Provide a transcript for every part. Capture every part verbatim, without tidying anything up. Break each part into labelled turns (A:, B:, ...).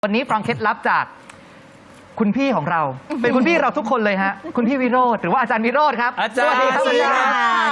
A: วันนี้ฟังเคล็ดลับจากคุณพี่ของเรา เป็นคุณพี่เราทุกคนเลยฮะคุณพี่วิโรจน์หรือว่าอาจารย์วิโรจน์ครับ
B: อาจารย์
A: สวัสดีครับอาจารย์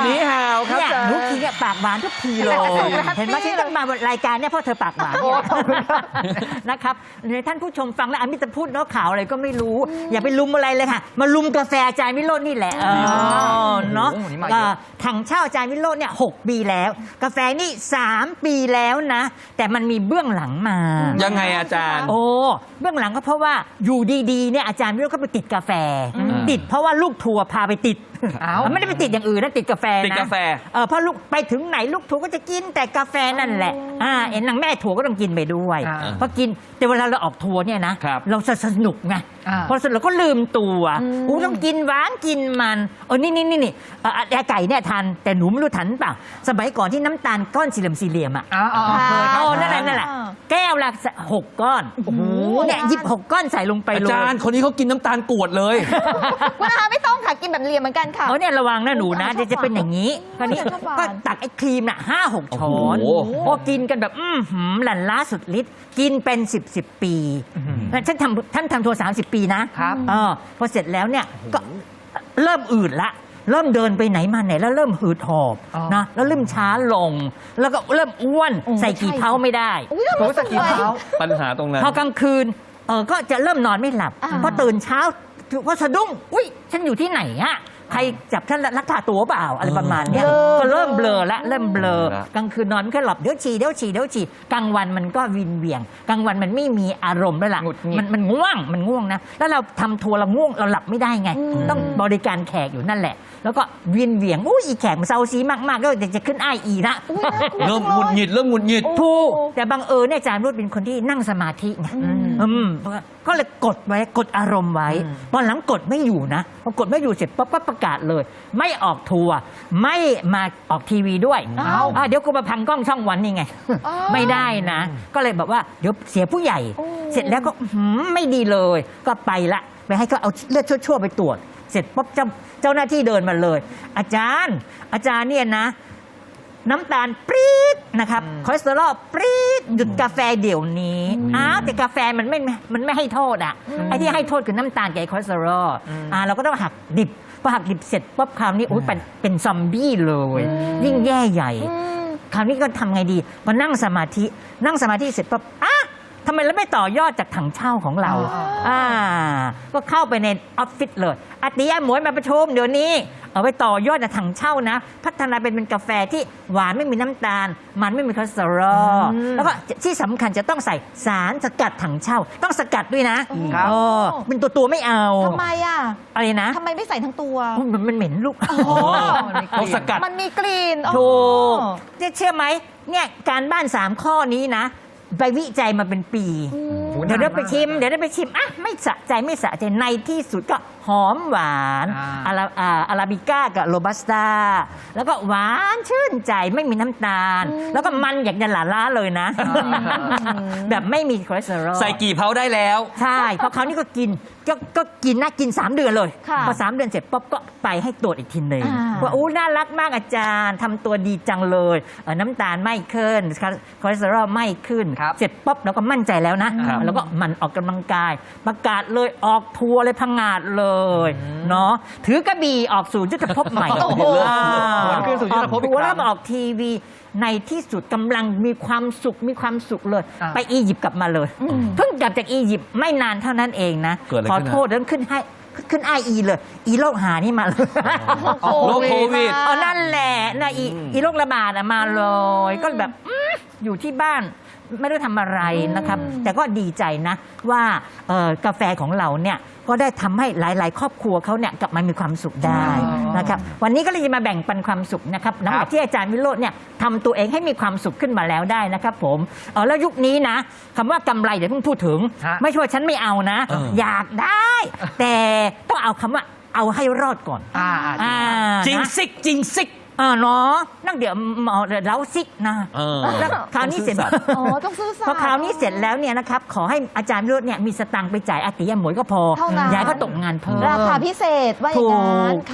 B: นี่ฮาวครับ
C: เนี่ย
B: อาจารย์
C: นุกทีเนี่ยปากหวานทุกทีเลย เห็นไหมฉันต้องมารายการเนี่ยเพราะเธอปากหวาน
A: โอ้ขอบคุณครับ
C: นะครับในท่านผู้ชมฟังแล้วอามิตรพูดเนาะข่าวอะไรก็ไม่รู้ อย่าไปลุมอะไรเลยค่ะ มาลุมกาแฟอาจารย์วิโรจน์นี่แหละเออเนาะ
A: โอ้โหนี่มาเยอะ
C: เอ่อถังเช่าอาจารย์วิโรจน์เนี่ยหกปีแล้ว กาแฟนี่สามปีแล้วนะ แต่มันมีเบื้องหลังมา
B: ยังไงอาจารย์
C: โอ้เบื้องหลังก็เพราะว่าอยู่ดีๆเนี่ยอาจารย์วิโรจน์ก็ไปติดกาแฟ ติดเพราะว่าลูกทัวร์พาไปติด
A: เอ้า
C: ไม่ได้ไปติดอย่างอื่นนะติดกาแฟนะ
B: ติดกาแฟ
C: เออเพราะลูกไปถึงไหนลูกทัวร์ก็จะกินแต่กาแฟนั่นแหละอ่าเอ็นนางแม่ทัวร์ก็ต้องกินไปด้วย
A: อ่า
C: เพราะกินแต่เวลาเราออกทัวร์เนี่ยนะครับ เราจะสนุกไง
A: อ่า
C: พอสนุกเราก็ลืมตัวอู้ต้องกินหวานกินมันเออนี่นี่นี่นี่เอ่อแอไก่เนี่ยทันแต่หนูไม่รู้ทันเปล่าสมัยก่อนที่น้ำตาลก้อนสี่เหลี่ยมสี่เหลี่ยมอ่ะ
A: อ๋ออ๋อเคยค
C: โอ้
A: รับ
C: นั่นแหละนั่นแหละแก้วละหกก้อนโอ้โหเนี่ยหยิบหกก้อนใส่ลงไป
B: อา
C: เลย
B: จารย์คนนี้เขากินน้ำตาลกรวดเลย
D: คุณอาไม่ต้องค่ะกินแบบเหลี่ยมเหมือนกันค่ะ
C: เออเนี่ยระวังนะหนูนะ
D: ชอบ
C: เดี๋ยวจะเป็นอย่างนี้คราวนี้
D: ชอบหวาน
C: ก็ตักไอ้ครีมน่ะห้าหกช้อน
B: โอ้โห
C: พอกินกันแบบอื้อหือหลั่นล้าสุดฤทธิ์กินเป็นสิบสิบปีแล้วท่านทำท่านทำทัวร์สามสิบปีนะครับ เออพอเสร็จแล้วเนี่ยก็เริ่มอืดละ เริ่มเดินไปไหนมาไหนแล้วเริ่มหืดหอบ
A: อ๋อ
C: นะแล้วเริ่มช้าลง แล้วก็เริ่มอ้วน
D: โอ้
C: ใส่กี่เท้าไม่ได้
D: อุ้ยทำไม
A: โอ้ย
D: ส
A: สกี
D: วย
A: เท้า
B: ปัญหาตรงนั้น
C: พอกลางคืนเออก็จะเริ่มนอนไม่หลับ
D: อ่า
C: พอตื่นเช้าก็สะดุ้งอุ้ยฉันอยู่ที่ไหนอะใครจับฉันลักพาตัวเปล่าอะไรประมาณเนี้ยก็เริ่มเบลอละเริ่มเบลอกลางคืนนอนไม่ค่อยหลับเดี๋ยวฉี่เดี๋ยวฉี่เดี๋ยวฉี่กลางวันมันก็วินเวียงกลางวันมันไม่มีอารมณ์ด้วยล่ะ
A: หงุดหงิด
C: มันมันง่วงมันง่วงนะแล้วเราทำทัวร์เราง่วงเราหลับไม่ได้ไง ต้องบริการแขกอยู่นั่นแหละ แล้วก็วินเวียงอุ้ยอีแขกมันเซาซีมากๆก็เดี๋ยวจะขึ้นไออีละ
D: อุ๊ยน่ากลัว
B: เริ่มหงุดหงิดเริ่มหงุดหงิด
C: ถูกแต่บังเอิญเนี่ยอาจารย์รุดเป็นคนที่นั่งสมาธิไงอืมก็เลยกดไว้กดอารมณ์ไว้ตอนหลังกดไม่อยู่นะพอกดไม่อยู่เสร็จปั๊บก็ประกาศเลย ไม่ออกทัวร์ไม่มาออกทีวีด้วย
D: อ้าว
C: อ่ะเดี๋ยวกูมาพังกล้องช่องวันนี่ไง
D: อ้าว
C: ไม่ได้นะ ก็เลยแบบว่าเดี๋ยวเสียผู้ใหญ่
D: โอ้
C: เสร็จแล้วก็อื้อหือไม่ดีเลย ก็ไปละไปให้เขาเอาเลือดชั่วๆไปตรวจ เสร็จปุ๊บเจ้าเจ้าหน้าที่เดินมาเลย อาจารย์ อาจารย์เนี่ยนะ น้ำตาลปรี๊ดนะครับคอเลสเตอรอลปรี๊ดหยุดกาแฟเดี๋ยวนี้อ้าวแต่กาแฟมันไม่มันไม่ให้โทษอ่ะไอ้ที่ให้โทษคือน้ำตาลกับไอ้คอเลสเตอรอลอ่าเราก็ต้องหักดิบพอหักดิบเสร็จปุ๊บคราวนี้โอ้ยเป็นเป็นซอมบี้เลย ยิ่งแย่ใหญ่
D: อืม
C: คราวนี้ก็ทำไงดีมานั่งสมาธินั่งสมาธิเสร็จปั๊บอ่ะทำไมเราไม่ต่อยอดจากถังเช่าของเรา
A: อ๋อ
C: อ่าก็เข้าไปในออฟฟิศเลยอาติยะหมวยมาประชุมเดี๋ยวนี้ เอาไปต่อยอดจากถังเช่านะ พัฒนาเป็นเป็นกาแฟที่หวานไม่มีน้ำตาล มันไม่มีคอเลสเตอรอลแล้วก็ที่สำคัญจะต้องใส่สารสกัดถังเช่า ต้องสกัดด้วยนะครับ เออเป็นตัวตัวๆไม่เอา
D: ทำไมอ่ะ
C: อะไรนะ
D: ทำไมไม่ใส่ทั้งตัว
C: มันมันเหม็นลูก
B: เขาสกัด
D: มันมีกลิ่นอ๋อ
C: ถูกเนี่ยเชื่อไหมเนี่ยการบ้านสามข้อนี้นะ ไปวิจัยมาเป็นปี เดี๋ยวได้ไปชิม เดี๋ยวได้ไปชิม อ่ะ ไม่สะใจไม่สะใจ ในที่สุดก็หอมหวาน
A: อ่า
C: อาราอ่าอาราบิก้ากับโรบัสต้า แล้วก็หวานชื่นใจไม่มีน้ำตาล แล้วก็มันอยากจะหลาล้าเลยนะ แบบไม่มีคอเลสเตอรอล
B: ใส่กี่เผาได้แล้ว
C: ใช่ เพราะเขาวนี่ก็กินก็ก็กินนะกิน สาม เดือนเลย
D: ค่ะ
C: พอสามเดือนเสร็จปุ๊บก็ไปให้ตรวจอีกทีหนึ่ง
D: อ่า
C: ว่าอู้น่ารักมากอาจารย์ทำตัวดีจังเลยเอ่อน้ำตาลไม่ขึ้นคอเลสเตอรอลไม่ขึ้น
A: ครับ
C: เสร็จปุ๊บเราก็มั่นใจแล้วนะครับ แล้วก็หมันออกกำลังกาย ประกาศเลยออกทัวร์เลยพังงาดเลยเนาะถือกระบี่ออกสู่ยุทธภพใหม่
A: โอ้โห
C: อ่า
A: หวนคืนสู่ยุทธภพอีก
C: ออกทัวร์
A: ครั้
C: แล้ว
A: ง
C: มาออกทีวีในที่สุดกำลังมีความสุขมีความสุขเลย
A: อ่า
C: ไปอียิปต์กลับมาเลย เพิ่งกลับจากอียิปต์ไม่นานเท่านั้นเองนะ
B: เกิดอะไร
C: ขอ
B: ขึ้น
C: โทษเรื่องขึ้นให้ขึ้นไออีเลย อีโรคหานี่มาเลย
B: โรคโควิด
C: อ๋อนั่นแหละนะอีอีโรคระบาดอะมาเลย ก็แบบอื้ออยู่ที่บ้านไม่ได้ทำอะไรนะครับ แต่ก็ดีใจนะว่าเอ่อกาแฟของเราเนี่ยก็ได้ทำให้หลาย ๆ ครอบครัวเขาเนี่ยกลับมามีความสุขได้นะครับวันนี้ก็เลยจะมาแบ่งปันความสุขนะครับหลังจากที่อาจารย์วิโรจน์เนี่ยทำตัวเองให้มีความสุขขึ้นมาแล้วได้นะครับผมเออแล้วยุคนี้นะคำว่ากำไรเดี๋ยวเพิ่งพูดถึง
A: ฮะ
C: ไม่ใช่ว่าฉันไม่เอานะ
B: เออ
C: อ
B: อ
C: ยากได้ แต่ต้องเอาคำว่าเอาให้รอดก่อน
A: อ่าอ่าจริงครับ
C: อ่า
B: จริง
C: นะ
B: ซิกจริงซิก
C: อ่าเนาะนั่งเดี๋ยวหมอเดี๋ยวเล้าซิกนะ
B: เออ
C: แล้วคราวนี้เสร็จ
B: ต้องซื่อสัตย์
D: อ๋อต้องซื่อสัตย์
C: พอคราวนี้เสร็จแล้วเนี่ยนะครับขอให้อาจารย์วิโรจน์เนี่ยมีสตังค์ไปจ่ายอาติยะหมวยก็พอ
D: เท่านั้น
C: ย้ายก็ตกงานเพิ่ม
D: ราคาพิเศษว่าอย่างนั้น